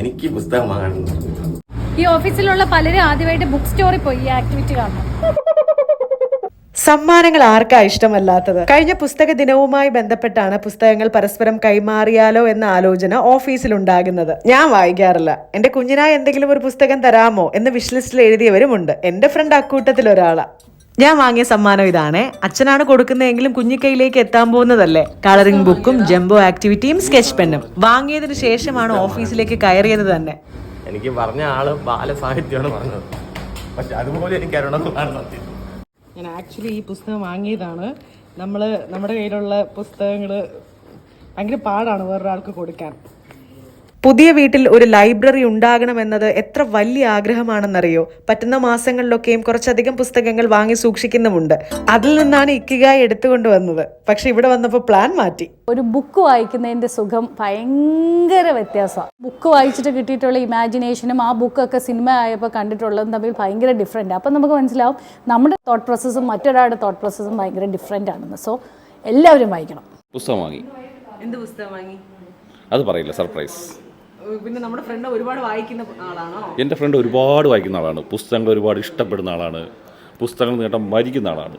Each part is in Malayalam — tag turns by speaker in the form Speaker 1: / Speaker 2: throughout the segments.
Speaker 1: എനിക്ക് പുസ്തകം വാങ്ങണം.
Speaker 2: ഈ ഓഫീസിലുള്ള പലരും ആദ്യമായിട്ട് ബുക്ക് സ്റ്റോറിൽ പോയി ഈ ആക്ടിവിറ്റി കാണണം.
Speaker 3: സമ്മാനങ്ങൾ ആർക്കാ ഇഷ്ടമല്ലാത്തത്? കഴിഞ്ഞ പുസ്തക ദിനവുമായി ബന്ധപ്പെട്ടാണ് പുസ്തകങ്ങൾ പരസ്പരം കൈമാറിയാലോ എന്ന ആലോചന ഓഫീസിലുണ്ടാകുന്നത്. ഞാൻ വായിക്കാറില്ല. എന്റെ കുഞ്ഞിനായി എന്തെങ്കിലും ഒരു പുസ്തകം തരാമോ എന്ന് വിഷ് ലിസ്റ്റിൽ എഴുതിയവരുമുണ്ട്. എന്റെ ഫ്രണ്ട് അക്കൂട്ടത്തിൽ ഒരാളാ. ഞാൻ വാങ്ങിയ സമ്മാനം ഇതാണ്. അച്ഛനാണ് കൊടുക്കുന്നതെങ്കിലും കുഞ്ഞിക്കൈയിലേക്ക് എത്താൻ പോകുന്നതല്ലേ. കളറിംഗ് ബുക്കും ജംബോ ആക്ടിവിറ്റിയും സ്കെച്ച് പെന്നും വാങ്ങിയതിനു ശേഷമാണ് ഓഫീസിലേക്ക് കയറിയത് തന്നെ.
Speaker 1: എനിക്ക് പറഞ്ഞ ആള് ബാലസാഹിത്യമാണ് പറഞ്ഞത്, പക്ഷെ അതുപോലെ എനിക്ക് അറിയണമെന്ന്.
Speaker 3: ഞാൻ ആക്ച്വലി ഈ പുസ്തകം വാങ്ങിയതാണ്. നമ്മുടെ കയ്യിലുള്ള പുസ്തകങ്ങൾ ഭയങ്കര പാടാണ് വേറൊരാൾക്ക് കൊടുക്കാൻ. പുതിയ വീട്ടിൽ ഒരു ലൈബ്രറി ഉണ്ടാകണമെന്നത് എത്ര വലിയ ആഗ്രഹമാണെന്നറിയോ. പറ്റുന്ന മാസങ്ങളിലൊക്കെയും കുറച്ചധികം പുസ്തകങ്ങൾ വാങ്ങി സൂക്ഷിക്കുന്നുമുണ്ട്. അതിൽ നിന്നാണ് ഇക്കിഗായി എടുത്തുകൊണ്ട് വന്നത്. പക്ഷെ ഇവിടെ വന്നപ്പോൾ പ്ലാൻ മാറ്റി.
Speaker 2: ഒരു ബുക്ക് വായിക്കുന്നതിന്റെ സുഖം ഭയങ്കര വ്യത്യാസമാണ്. ബുക്ക് വായിച്ചിട്ട് കിട്ടിയിട്ടുള്ള ഇമാജിനേഷനും ആ ബുക്കൊക്കെ സിനിമ ആയപ്പോൾ കണ്ടിട്ടുള്ളതും തമ്മിൽ ഭയങ്കര ഡിഫറെൻ്റ്. അപ്പം നമുക്ക് മനസ്സിലാവും നമ്മുടെ തോട്ട് പ്രോസസ്സും മറ്റൊരാളുടെ തോട്ട് പ്രോസസ്സും ഭയങ്കര ഡിഫറെൻ്റ് ആണെന്ന്. സോ എല്ലാവരും വായിക്കണം.
Speaker 4: പുസ്തകം വാങ്ങി.
Speaker 3: എന്ത് പുസ്തകം വാങ്ങി?
Speaker 4: അത് പറയില്ല, സർപ്രൈസ്.
Speaker 3: പിന്നെ നമ്മുടെ ഫ്രണ്ട് ഒരുപാട് വായിക്കുന്ന ആളാണോ?
Speaker 4: എൻ്റെ ഫ്രണ്ട് ഒരുപാട് വായിക്കുന്ന ആളാണ്. പുസ്തകങ്ങൾ ഒരുപാട് ഇഷ്ടപ്പെടുന്ന ആളാണ്. പുസ്തകങ്ങൾ നേട്ടം മരിക്കുന്ന ആളാണ്.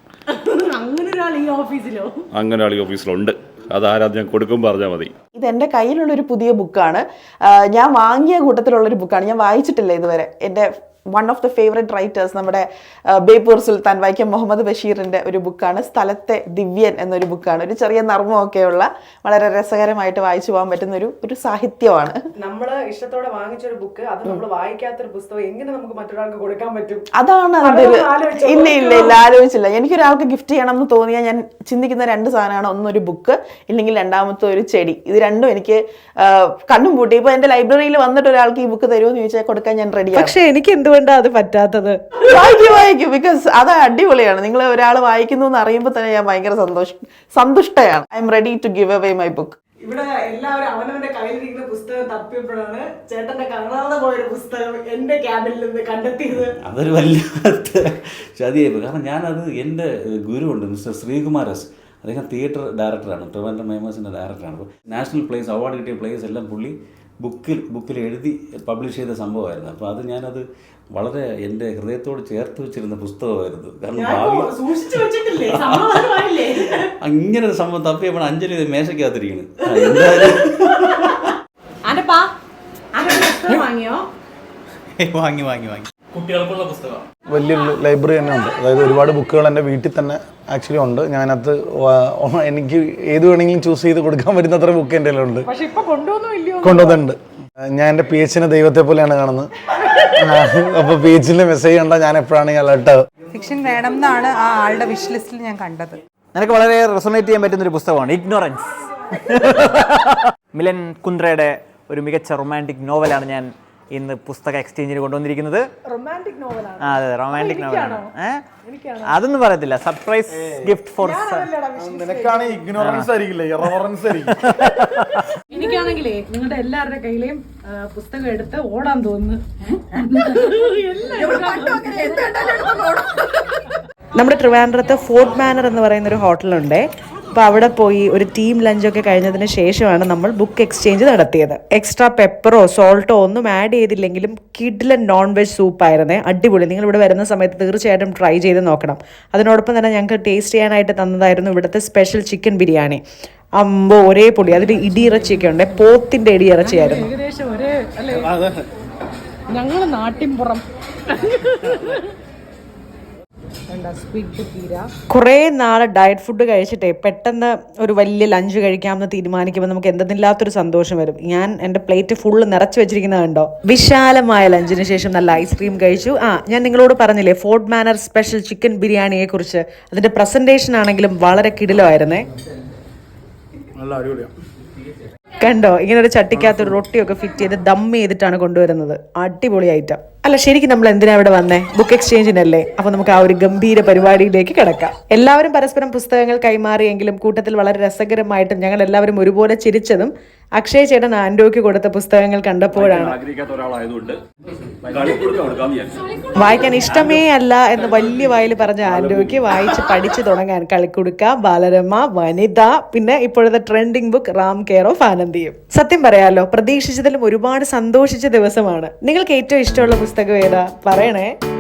Speaker 3: അങ്ങനെ ഒരാൾ ഈ ഓഫീസിലോ?
Speaker 4: അങ്ങനെ ഒരാൾ ഈ ഓഫീസിലുണ്ട്. അത് ആരാധന ഞാൻ കൊടുക്കുമ്പോൾ പറഞ്ഞാൽ മതി.
Speaker 5: ഇത് എൻ്റെ കയ്യിലുള്ളൊരു പുതിയ ബുക്കാണ്. ഞാൻ വാങ്ങിയ കൂട്ടത്തിലുള്ളൊരു ബുക്കാണ്. ഞാൻ വായിച്ചിട്ടില്ല ഇതുവരെ. എൻ്റെ one of the favourite writers നമ്മുടെ ബേപ്പൂർ സുൽത്താൻ വൈക്കം മുഹമ്മദ് ബഷീറിൻ്റെ ഒരു ബുക്കാണ്. സ്ഥലത്തെ ദിവ്യൻ എന്നൊരു ബുക്കാണ്. ഒരു ചെറിയ നർമ്മമൊക്കെയുള്ള വളരെ രസകരമായിട്ട് വായിച്ചു പോകാൻ പറ്റുന്ന ഒരു സാഹിത്യമാണ്.
Speaker 3: നമ്മൾ ഇഷ്ടത്തോടെ വാങ്ങിച്ചൊരു ബുക്ക്, അത് നമ്മൾ വായിക്കാത്തൊരു പുസ്തകം എങ്ങനെ നമുക്ക് മറ്റൊരാൾക്ക് കൊടുക്കാൻ പറ്റും?
Speaker 5: അതാണ് അതിൻ്റെ ഇല്ല ആലോചിച്ചില്ല. എനിക്കൊരാൾക്ക് ഗിഫ്റ്റ് ചെയ്യണം എന്ന് തോന്നിയാൽ ഞാൻ ചിന്തിക്കുന്ന രണ്ട് സാധനമാണ്. ഒന്നൊരു ബുക്ക്, ഇല്ലെങ്കിൽ രണ്ടാമത്തെ ഒരു ചെടി. ഇത് രണ്ടും എനിക്ക് കണ്ണും പൂട്ടി. ഇപ്പൊ എന്റെ ലൈബ്രറിയിൽ വന്നിട്ട് ഒരാൾക്ക് ഈ ബുക്ക് തരുമോ എന്ന് ചോദിച്ചാൽ കൊടുക്കാൻ ഞാൻ റെഡിയാണ്.
Speaker 3: പക്ഷെ എനിക്ക് എന്തുകൊണ്ടാണ് അത് പറ്റാത്തത്?
Speaker 5: വായിക്കും ബിക്കോസ് അത് അടിപൊളിയാണ്. നിങ്ങൾ ഒരാൾ വായിക്കുന്നു എന്ന് അറിയുമ്പോൾ തന്നെ ഞാൻ ഭയങ്കര സന്തുഷ്ടയാണ്. I am ready to give away my book.
Speaker 3: ഇവിടെ എല്ലാവരും അവനവന്റെ കയ്യിലിരിക്കുന്ന പുസ്തകം തപ്പിയപ്പോഴാണ് ചേട്ടന്റെ കാണാതെ പോയൊരു പുസ്തകം എന്റെ ക്യാബിനിൽ നിന്ന് കണ്ടെത്തിയത്.
Speaker 6: അതൊരു വലിയ ചതിയായിപ്പോയി. കാരണം ഞാനത് എൻ്റെ ഗുരുവുണ്ട് മിസ്റ്റർ ശ്രീകുമാർ എസ്. അദ്ദേഹം തിയേറ്റർ ഡയറക്ടറാണ്, ട്രിവാൻഡ്രം മേമേഴ്സിൻ്റെ ഡയറക്ടറാണ്. അപ്പോൾ നാഷണൽ പ്ലേസ് അവാർഡ് കിട്ടിയ പ്ലേസ് എല്ലാം പുള്ളി ബുക്കിൽ എഴുതി പബ്ലിഷ് ചെയ്ത സംഭവമായിരുന്നു. അപ്പോൾ അത് ഞാനത് വളരെ എൻ്റെ ഹൃദയത്തോട് ചേർത്ത് വെച്ചിരുന്ന പുസ്തകമായിരുന്നു. കാരണം അങ്ങനെ ഒരു സംഭവം തപ്പിയപ്പോൾ അഞ്ജലി മേശയ്ക്കകത്തിരിക്കുന്നു.
Speaker 7: വാങ്ങി കുട്ടികൾക്കുള്ള പുസ്തകം വലിയൊരു ലൈബ്രറി തന്നെ ഉണ്ട്. അതായത് ഒരുപാട് ബുക്കുകൾ എൻ്റെ വീട്ടിൽ തന്നെ ആക്ച്വലി ഉണ്ട്. ഞാനത് എനിക്ക് ഏത് വേണമെങ്കിലും ചൂസ് ചെയ്ത് കൊടുക്കാൻ പറ്റുന്ന അത്ര ബുക്ക് എൻ്റെ ഉണ്ട്. കൊണ്ടുവന്നിട്ടുണ്ട്. ഞാൻ എൻ്റെ പി എച്ചിനെ ദൈവത്തെ പോലെയാണ് കാണുന്നത്. അപ്പോൾ പി എച്ചിൻ്റെ മെസ്സേജ് കണ്ടാൽ ഞാൻ എപ്പോഴാണ് അലർട്ട്.
Speaker 8: ഫിക്ഷൻ വേണം എന്നാണ് ആ ആളുടെ വിഷ് ലിസ്റ്റിൽ ഞാൻ കണ്ടത്.
Speaker 9: എനിക്ക് വളരെ റെസൊണേറ്റ് ചെയ്യാൻ പറ്റുന്ന ഒരു പുസ്തകമാണ് ഇഗ്നോറൻസ്. മിലൻ കുന്ദ്രയുടെ ഒരു മികച്ച റൊമാൻറ്റിക് നോവലാണ് ഞാൻ ഇന്ന് പുസ്തക എക്സ്ചേഞ്ചിന് കൊണ്ടുവന്നിരിക്കുന്നത്. അതെ, റൊമാൻറ്റിക് നോവലാണ്. അതൊന്നും പറയത്തില്ല. സർപ്രൈസ് ഗിഫ്റ്റ് ഫോർ
Speaker 3: എനിക്കാണെങ്കിലേ നിങ്ങളുടെ എല്ലാവരുടെ കയ്യിലെയും പുസ്തകം എടുത്ത് ഓടാൻ തോന്നുന്നു. നമ്മുടെ ട്രിവാൻഡ്രത്ത് ഫോർട്ട് മാനർ എന്ന് പറയുന്ന ഒരു ഹോട്ടലുണ്ട്. അപ്പോൾ അവിടെ പോയി ഒരു ടീം ലഞ്ചൊക്കെ കഴിഞ്ഞതിന് ശേഷമാണ് നമ്മൾ ബുക്ക് എക്സ്ചേഞ്ച് നടത്തിയത്. എക്സ്ട്രാ പെപ്പറോ സോൾട്ടോ ഒന്നും ആഡ് ചെയ്തില്ലെങ്കിലും കിഡിലൻ നോൺ വെജ് സൂപ്പായിരുന്നേ. അടിപൊളി. നിങ്ങൾ ഇവിടെ വരുന്ന സമയത്ത് തീർച്ചയായിട്ടും ട്രൈ ചെയ്ത് നോക്കണം. അതിനോടൊപ്പം തന്നെ ഞങ്ങൾക്ക് ടേസ്റ്റ് ചെയ്യാനായിട്ട് തന്നതായിരുന്നു ഇവിടുത്തെ സ്പെഷ്യൽ ചിക്കൻ ബിരിയാണി. അമ്പോ ഒരേ പൊടി. അതിൽ ഇടിയിറച്ചിയൊക്കെ ഉണ്ട്. പോത്തിന്റെ ഇടിയിറച്ചിയായിരുന്നു. ഏകദേശം ഒരേ അല്ലേ? ഞങ്ങൾ നാട്ടിൻപുറം. കുറേ നാളെ ഡയറ്റ് ഫുഡ് കഴിച്ചിട്ടേ പെട്ടെന്ന് ഒരു വലിയ ലഞ്ച് കഴിക്കാമെന്ന് തീരുമാനിക്കുമ്പോൾ നമുക്ക് എന്തെന്നില്ലാത്തൊരു സന്തോഷം വരും. ഞാൻ എൻ്റെ പ്ലേറ്റ് ഫുള്ള് നിറച്ച് വെച്ചിരിക്കുന്നത് കണ്ടോ. വിശാലമായ ലഞ്ചിന് ശേഷം നല്ല ഐസ്ക്രീം കഴിച്ചു. ഞാൻ നിങ്ങളോട് പറഞ്ഞില്ലേ ഫോർട്ട് മാനർ സ്പെഷ്യൽ ചിക്കൻ ബിരിയാണിയെ കുറിച്ച്. അതിൻ്റെ പ്രസൻറ്റേഷൻ ആണെങ്കിലും വളരെ കിടിലമായിരുന്നേ. കണ്ടോ, ഇങ്ങനെ ഒരു ചട്ടിക്കകത്ത് ഒരു റൊട്ടിയൊക്കെ ഫിറ്റ് ചെയ്ത് ദം ചെയ്തിട്ടാണ് കൊണ്ടുവരുന്നത്. അടിപൊളി ഐറ്റം. അല്ല, ശരിക്കും നമ്മൾ എന്തിനാ ഇവിടെ വന്നേ? ബുക്ക് എക്സ്ചേഞ്ചിനല്ലേ. അപ്പൊ നമുക്ക് ആ ഒരു ഗംഭീര പരിപാടിയിലേക്ക് കിടക്കാം. എല്ലാവരും പരസ്പരം പുസ്തകങ്ങൾ കൈമാറിയെങ്കിലും കൂട്ടത്തിൽ വളരെ രസകരമായിട്ടും ഞങ്ങൾ എല്ലാവരും ഒരുപോലെ ചിരിച്ചതും അക്ഷയ് ചേട്ടൻ ആൻഡോയ്ക്ക് കൊടുത്ത പുസ്തകങ്ങൾ കണ്ടപ്പോഴാണ്
Speaker 4: ആഗ്രഹിക്കാത്ത ഒരാളായതുകൊണ്ട് കളിക്കൊടുക്കാൻ കൊടുക്കാമെന്ന് വിചാരിച്ചു.
Speaker 3: വായിക്കാൻ ഇഷ്ടമേ അല്ല എന്ന് വലിയ വായിൽ പറഞ്ഞ ആൻഡോയ്ക്ക് വായിച്ച് പഠിച്ചു തുടങ്ങാൻ കളിക്കുടുക്ക, ബാലരമ, വനിത, പിന്നെ ഇപ്പോഴത്തെ trending book Ram care of ആനന്ദിയും. സത്യം പറയാലോ, പ്രതീക്ഷിച്ചതിലും ഒരുപാട് സന്തോഷിച്ച ദിവസമാണ്. നിങ്ങൾക്ക് ഏറ്റവും ഇഷ്ടമുള്ള പുസ്തകം ഏതാ? പറയണേ.